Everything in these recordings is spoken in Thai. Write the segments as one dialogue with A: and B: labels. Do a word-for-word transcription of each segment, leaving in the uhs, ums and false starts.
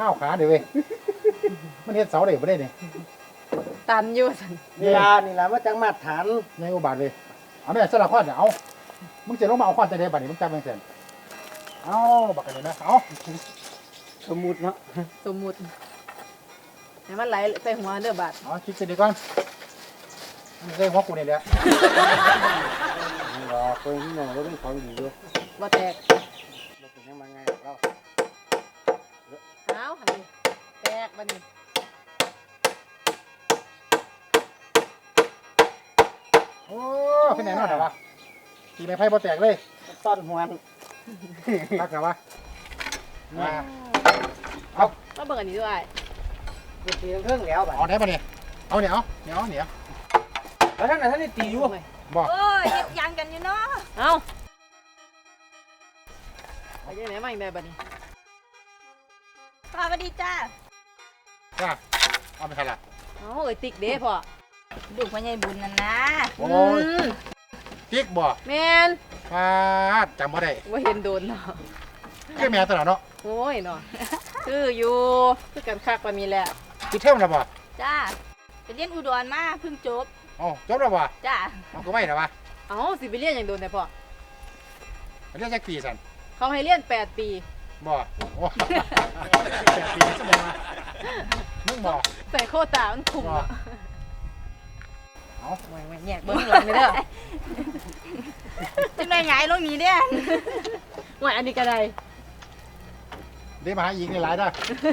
A: ข้าวขาเดี๋ยวเว้ยมันเฮ็ดเสาได้บ่ได้นี่
B: ตันอยู่สัน
C: นี่ล่ะนี่ล่ะมาจังมาตรฐาน
A: ในอุบาทเลยเอาแม่สลักข้อนเอามึงจะลงมาเอาข้อนจะได้บัดนี้มึงจำแม่งเสร็จเอาบักกันเลยนะเอา
C: สมมุติเนาะ
B: สมมุติให้มันไหลใส่หัวเด้อบาด
A: เอาคิดกันดีก่อนมึงเคยหัวกูนี่แหละ
C: นี่ล่ะเพิ่นนี่น้องเราเป็นของดีอยู่
B: บ่แตก
C: บ่เป็นยังมาไงเรา
B: เอาหันนี่แตกบัดนี้
A: โอ้ขึ้นไหนนอนเหรอวะตีไม่ไพ่บ่แตกเลย
C: ต้อนหวน
A: รักเหรอวะมา
B: มาเบิ่งอันนี้ด้วย
C: กูตีเครื่องแล้วบัด
A: เอาได้ปะเนี่ยเอาเนี่ยเอาเนี่ยเอาเนี่ย
C: แล้วท่านน่ะท่านนี่ตีอยู่
A: บอก
D: โอ้ยเฮ็ดหยังกันอยู่เนาะ
B: เอาไปยังไหนมาอีกได้บัดนี้
D: สวัสดีจ้า
A: จ้าเอาไปใครล่ะ
B: เอาเอ้ยติ๊กเด้พ่อ
D: ลูกพ่อใหญ่บุญนั่นนะ
A: โอ้ย
B: อืม
A: ติ๊กบ่
B: แม่น
A: ฟาดจำบ่ได้
B: ว่าเห็นโดนเนาะ
A: คือแม่ตัวเนาะ
B: โอ้ยเนาะคืออยู่คือกันคักปานนี้แหละ
A: คือเท่าแล้วบ่
D: จ้าไปเรียนอุดรมาเพิ่งจบ
A: อ๋อจบแล้วบ่
D: จ้า
A: เอาก็ไม่แล้ววะ
B: เอาสิไปเรียนอย่างโดนแต่พ่อ
A: เรียกจักปีสัน
B: เขาให้เรียนแปดปี
A: บ่โอ้แปดปีจะมามึงบ่
B: ใส่โควตามันคุ้มเนาะ
A: เอา
B: ไม่ไม่แยกเบิ้งหลังเลยเด้อ
D: จังได้หงายลงนี้เด้อ
B: ว่าอันนี้ก็ได้
A: ได้มาหาอีกในหลายได้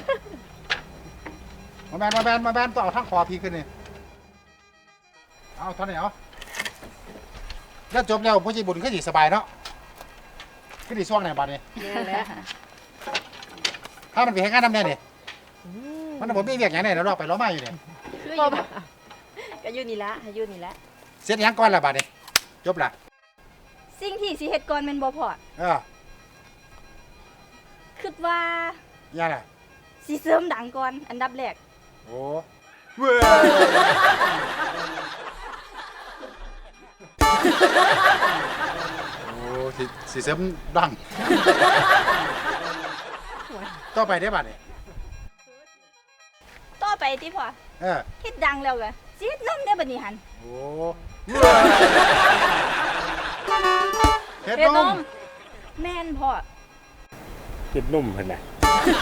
A: มาแบนมาแบนมาแบนต่อทั้งคอพีขึ้นนี่เอาเท่านี้เอาแล้วจบแล้วผู้ใจบุญก็สิสบายเนาะก็ดีช่วงไหนบัดนี้
B: แม่นแหละ
A: ถ้ามันไปให้งานทำเนี่ยนี่มันผมมีเรียกอย่างไหนแล้วรอไปล้อมาอยู่เนี่ย
D: คืออยู่บ่ก็อยู่นี่ละให้อยู่นี่ละ
A: เสร็จยังก่อนละบัดนี้จบละ
D: สิ่งที่สิเฮ็ดก่อนแม่นบ่พอ
A: เออ
D: คิดว่า
A: ยังล่ะ
D: สิเสริมดังก่อนอันดับแรก
A: โอ้เว้ยโอ้สิสิเสริมดังต่อไปได้บัดนี้
D: ต่อไปที่พ่อ
A: เออ
D: เฮ็ดดังแล้วก็สิเฮ็ดนมได้บัดนี้หั่น
A: โอ้เฮ็ด
B: เฮ็ด
A: น
B: น
A: ม
B: ม
D: แม่นพ่อ
C: เฮ็ดนุ่มเพิ่นน่ะ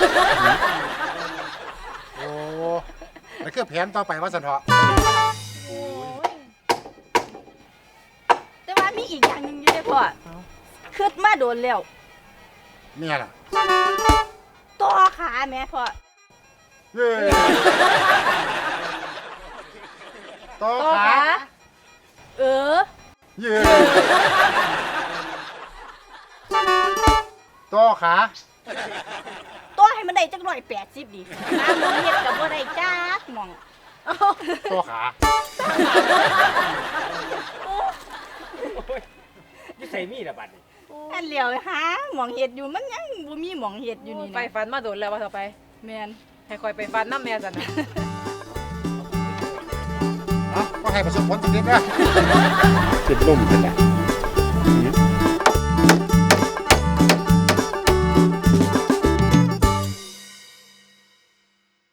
A: โอ้แล้วคือแผนต่อไปว่าสันเถาะ
D: โอ้ยแต่ว่ามีอีกอย่างหนึงอยู่เด้อพ่อคิดมาโดนแล้ว
A: เนี่ยล่ะ
D: ต่อขาแม่พ่อ
A: เย้ต่อ
B: ต่อ
A: ขา
B: ขา
D: เออ
A: เย้ต่อขา
D: ต่อให้มันได้จักร้อยแปดสิบดิตามหมองเฮ็ดกับบ่ได้จักหมอง
A: ต่อขา
C: นี่ใส่มีดล่ะบัดนี้
D: อันเหลียวหาหมองเฮ็ดอยู่มันยังบ่มีหมองเฮ็ดอยู่นี่
B: ไป
D: นะ
B: ฟันมาโดนแล้วว่าต่อไป
D: แม่น
B: ให้คอยไปฟันน้ำแม่สันนะ
A: เนาะก็ให้ประสบผลสำเร็จนะ
C: เฮ็ดนุ่มเพิ่นน่ะ